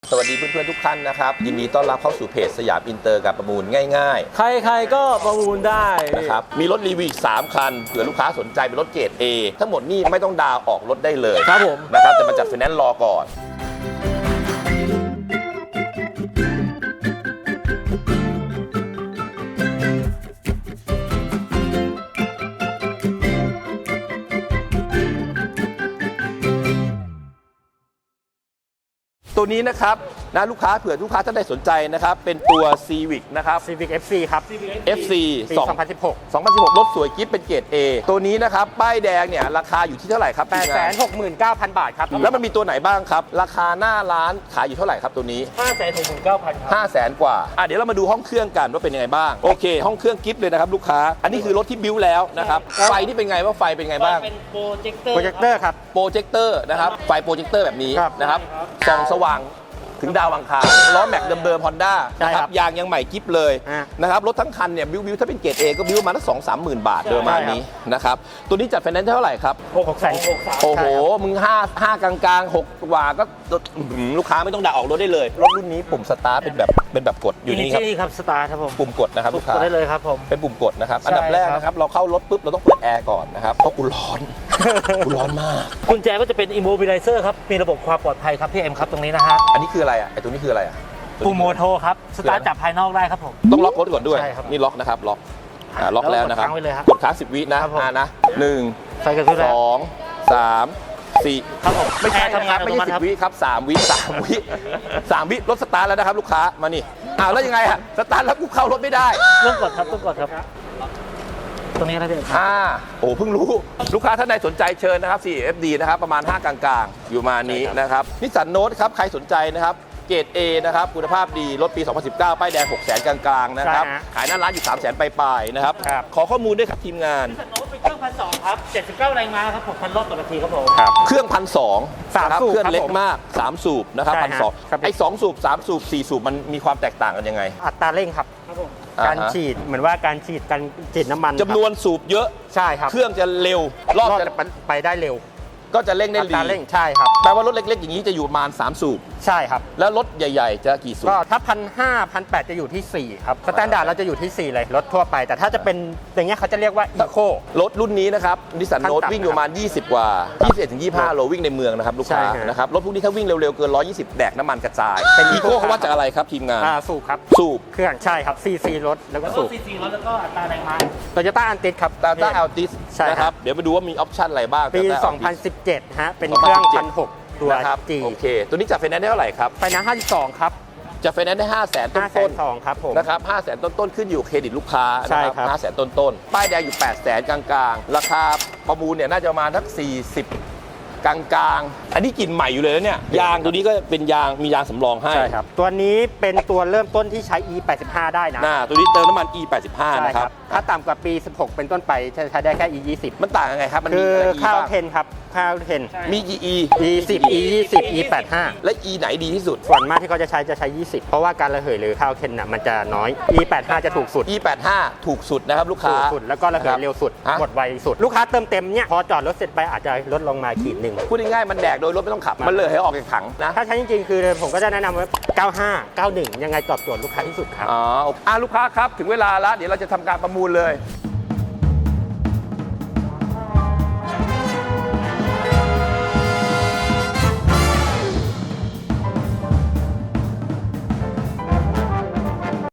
สวัสดีเพื่อนๆทุกท่านนะครับยินดีต้อนรับเข้าสู่เพจสยามอินเตอร์กับประมูลง่ายใครๆก็ประมูลได้ๆนะครับมีรถรีวิวอีก3คันเผื่อลูกค้าสนใจเป็นรถเกรด A ทั้งหมดนี่ไม่ต้องดาวน์ออกรถได้เลยครับผมนะครับแต่มาจัดไฟแนนซ์รอก่อนตัวนี้นะครับนะลูกค้าเผื่อลูกค้าท่านใดสนใจนะครับเป็นตัว Civic นะครับ Civic FC ครับ FC ปี 2016 2016 รถสวยกิ๊บเป็นเกรด A ตัวนี้นะครับป้ายแดงเนี่ยราคาอยู่ที่เท่าไหร่ครับทีมงาน 869,000 บาทครับแล้วมันมีตัวไหนบ้างครับราคาหน้าร้านขายอยู่เท่าไหร่ครับตัวนี้ 569,000 ครับ 500,000 กว่าเดี๋ยวเรามาดูห้องเครื่องกันว่าเป็นยังไงบ้างโอเคห้องเครื่องกิ๊บเลยนะครับลูกค้าอันนี้คือรถที่บิ้วแล้วนะครับไฟที่เป็นไงว่าไฟเป็นไงบ้างเป็นโปรเจคเตอร์ครับโปรเจคเตอร์นะครับไฟโปรเจคเตอร์แบบนี้ครับนะครับส่องสว่างถึงดาวอังคารล้อแม็กเดิมๆ Honda ใช่นะคครัรับบ ยางยังใหม่กิ๊บเลยอ่ะนะครับรถทั้งคันเนี่ยบิ้วถ้าเป็นเกรด A ก็บิ้วมาตั้ง2-3 หมื่นบาทโดยประมาณนี้นะครับตัวนี้จัดไฟแนนซ์เท่าไหร่ครับ 663,000 โอ้โหมึง5กลางๆ6กว่าก็ลูกค้าไม่ต้องด่าออกรถได้เลยรถรุ่นนี้ปุ่มสตาร์ทเป็นแบบกดอยู่นี่ครับนี่ครับสตาร์ครับผมปุ่มกดนะครับลูกค้ากดได้เลยครับผมเป็นปุ่มกดนะครับใช่อันดับแรกนะครับเราเข้ารถปุ๊บเราต้องเปิดแอร์ก่อนนะครับเพราะกูร้อน กูร้อนมากกุญแจก็จะเป็น Immobilizer ครับ มีระบบความปลอดภัยครับพี่เอ็มครับตรงนี้นะฮะอันนี้คืออะไรอ่ะไอตัวนี้คืออะไรอ่ะปุ่มโมโทครับ สตาร์ทจากภายนอกได้ครับผมต้องล็อกรถก่อนด้วยใช่ครับนี่ล็อกนะครับล็อกล็อกแล้วนะครับแล้วกดค้างไว้เลยครับกดค้าง10 วินะครับผมนะ1 ไฟกระพริบแล้ว 2 3 4 ครับผมไม่ใช่แอร์ทำงานไม่ใช่อัตโนมัติครับ 10 วิครับ3 วิ3 วิ3 วิรถสตาร์ทแล้วนะครับลูกค้ามานี่แล้วยังไงฮะสตาร์ทแล้วกูเข้ารถไม่ได้ต้องกดครับต้องกดครับ ตรงนี้นะพี่เอ็มครับโอ้เพิ่งรู้ลูกค้าท่านใดสนใจเชิญนะครับ 4FD นะครับประมาณ 5 กลางๆ อยู่มานี้นะครับนิสสันโน e ครับใครสนใจนะครับเกรด A นะครับคุณภาพดีรถปี 2019 ป้ายแดง 600,000 กลางๆนะครับใช่ฮะขายหน้าร้านอยู่ 300,000 ปลายๆนะครับครับขอข้อมูลด้วยครับทีมงานโน้ตเป็นเครื่อง1,200 ครับ 79 แรงม้าครับ 6,000 รอบต่อนาทีครับผมเครื่อง 1,200 สามนะครับสูบเครื่องครับเล็กผมมาก 3 สูบนะครับใช่ฮะ 1,200 ครับไอ้2สูบ3สูบ4สูบมันมีความแตกต่างกันยังไงอัตราเร่งครับ การฉีดเหมือนว่าการฉีดน้ำมันจำนวนสูบเยอะใช่ครับเครื่องจะเร็วรอบจะจะไปได้เร็วก็จะเร่งได้อัดีตราเร่งใช่ครับแปลว่ารถเล็กๆอย่างนี้จะอยู่ประมาณ3สูบใช่ครับแล้วรถใหญ่ๆจะกี่สูบก็ถ้า1,500 1,800จะอยู่ที่ 4 ครับ สแตนดาร์ดเราจะอยู่ที่ 4 เลย รถทั่วไป แต่ถ้าจะเป็นอย่างเงี้ยเขาจะเรียกว่าอีโครถรุ่นนี้นะครับนิสสันขั้นโนต่ำตวิ่งอยู่ประมาณ20 กว่า 21-25 โลวิ่งในเมืองนะครับลูกค้าใช่ฮะนะครับรถพวกนี้ถ้าวิ่งเร็วๆ เกิน 120 แดกน้ำมันกระจายเป็นอีโค Eco เขาวัดจากอะไรครับทีมงานสูบครับสูบเครื่องใช่ครับ CC รถแล้วก็สูบ CC รถแล้วก็อัตราแรงม้าโตโยต้าอันติสครับตาต้าอัลติสใช่ครับนะครับเดี๋ยวมาดูว่ามีออปชั่นอะไรบ้างปี Toyota Altis 2017 ฮะ เป็นเครื่อง 2017 1,600 ตัวนะครับ G โอเค ตัวนี้จัดไฟแนนซ์ได้เท่าไหร่ครับไฟน้ำ52 ครับจัดไฟแนนซ์ได้ 500,000 ต้น 502 ครับผมๆนะครับ500,000 ต้นๆขึ้นอยู่เครดิตลูกค้าใช่นะครับ 500,000 ต้นๆป้ายแดงอยู่ 800,000 กลางๆ ราคาประมูลเนี่ยน่าจะประมาณทัก40 กลางๆ อันนี้กลิ่นใหม่อยู่เลยนะเนี่ยยางตัวนี้ก็เป็นยางมียางสำรองให้ใช่ครับ ตัวนี้เป็นตัวเริ่มต้นที่ใช้ E85 ได้นะตัวนี้เติมน้ำมัน E85 ใช่นะครับถ้าต่ำกว่าปี 16 เป็นต้นไปจะใช้ได้แค่ E20 มันต่างยังไงครับ มันคืมีออะไร E ข้าวบ้างเทนครับข้าวเทนมีกี่ E E10 E20 E85 และ E ไหนดีที่สุดส่วนมากที่เขาจะใช้ 20 เพราะว่าการระเหยหรือข้าวเทนน่ะมันจะน้อย E85 จะถูกสุด E85 ถูกสุดนะครับลูกค้าถูกสุดแล้วก็ระเหยเร็วสุดฮะหมดไวสุด ลูกค้าเติมเต็มเนี่ยพอจอดรถเสร็จไปอาจจะลดลงมาขีดหนึ่งพูดง่ายๆมันแดกโดยรถไม่ต้องขับ มันเลยให้ออกจากถังนะถ้าใช้จริงๆ คือผมก็จะแนะนำว่า 95 91 ยังไงตอบโจทย์ลูกค้าที่สุดครับลูกค้าครับถึงเวลาแล้วเดี๋ยวเราจะทำการประมูลเลย